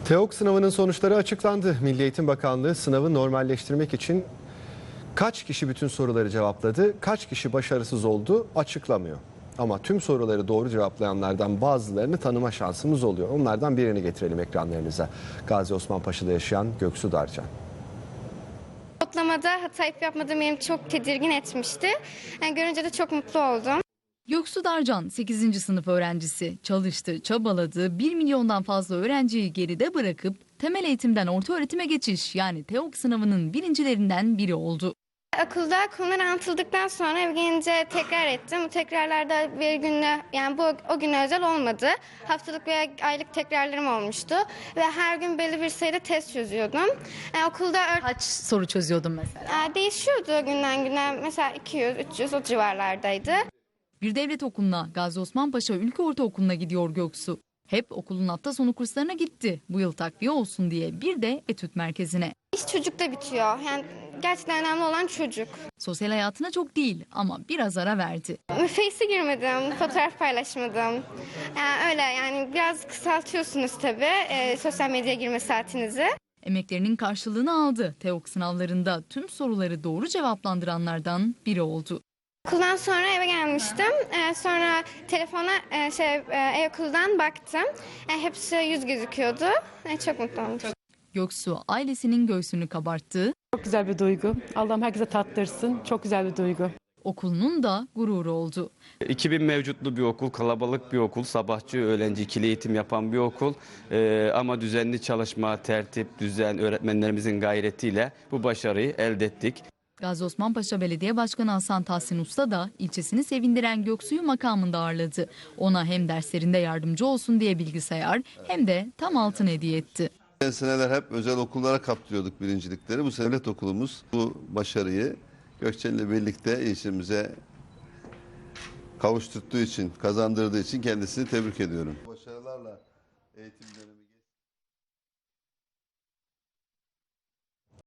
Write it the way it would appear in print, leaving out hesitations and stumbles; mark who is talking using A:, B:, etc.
A: TEOK sınavının sonuçları açıklandı. Milli Eğitim Bakanlığı sınavı normalleştirmek için kaç kişi bütün soruları cevapladı, kaç kişi başarısız oldu açıklamıyor. Ama tüm soruları doğru cevaplayanlardan bazılarını tanıma şansımız oluyor. Onlardan birini getirelim ekranlarınıza. Gazi Osman Paşa'da yaşayan Göksu Darcan.
B: Kodlamada hata yapmadığım beni çok tedirgin etmişti. Görünce de çok mutlu oldum.
C: Göksu Darcan 8. sınıf öğrencisi. Çalıştı, çabaladı, 1 milyondan fazla öğrenciyi geride bırakıp temel eğitimden orta öğretime geçiş yani TEOK sınavının birincilerinden biri oldu.
B: Okulda konular anlatıldıktan sonra eve gelince tekrar ettim. Bu tekrarlarda bir günle yani o güne özel olmadı. Haftalık veya aylık tekrarlarım olmuştu. Ve her gün belli bir sayıda test çözüyordum. Okulda
C: Kaç soru çözüyordun mesela?
B: değişiyordu günden güne. Mesela 200, 300 o civarlardaydı.
C: Bir devlet okuluna, Gazi Osman Paşa Ülke Ortaokulu'na gidiyor Göksu. Hep okulun hafta sonu kurslarına gitti. Bu yıl takviye olsun diye bir de etüt merkezine.
B: İş çocukta bitiyor. Yani gerçekten önemli olan çocuk.
C: Sosyal hayatına çok değil ama biraz ara verdi.
B: Face'e girmedim, fotoğraf paylaşmadım. Öyle yani biraz kısaltıyorsunuz tabii sosyal medyaya girme saatinizi.
C: Emeklerinin karşılığını aldı. TEOK sınavlarında tüm soruları doğru cevaplandıranlardan biri oldu.
B: Okuldan sonra eve gelmiştim. Sonra telefona e-okuldan baktım. Hepsi yüz gözüküyordu. Çok mutlu oldum.
C: Göksu ailesinin göğsünü kabarttı.
D: Çok güzel bir duygu. Allah'ım herkese tattırsın. Çok güzel bir duygu.
C: Okulunun da gururu oldu.
E: 2000 mevcutlu bir okul, kalabalık bir okul, sabahçı, öğlenci, ikili eğitim yapan bir okul. Ama düzenli çalışma, tertip, düzen, öğretmenlerimizin gayretiyle bu başarıyı elde ettik.
C: Gazi Osman Paşa Belediye Başkanı Hasan Tahsin Usta da ilçesini sevindiren Göksu'yu makamında ağırladı. Ona hem derslerinde yardımcı olsun diye bilgisayar hem de tam altın hediye etti.
F: Geçen seneler hep özel okullara kaptırıyorduk birincilikleri. Bu devlet okulumuz bu başarıyı Gökçen ile birlikte ilçemize kavuşturduğu için, kazandırdığı için kendisini tebrik ediyorum. Başarılarla eğitim dönemi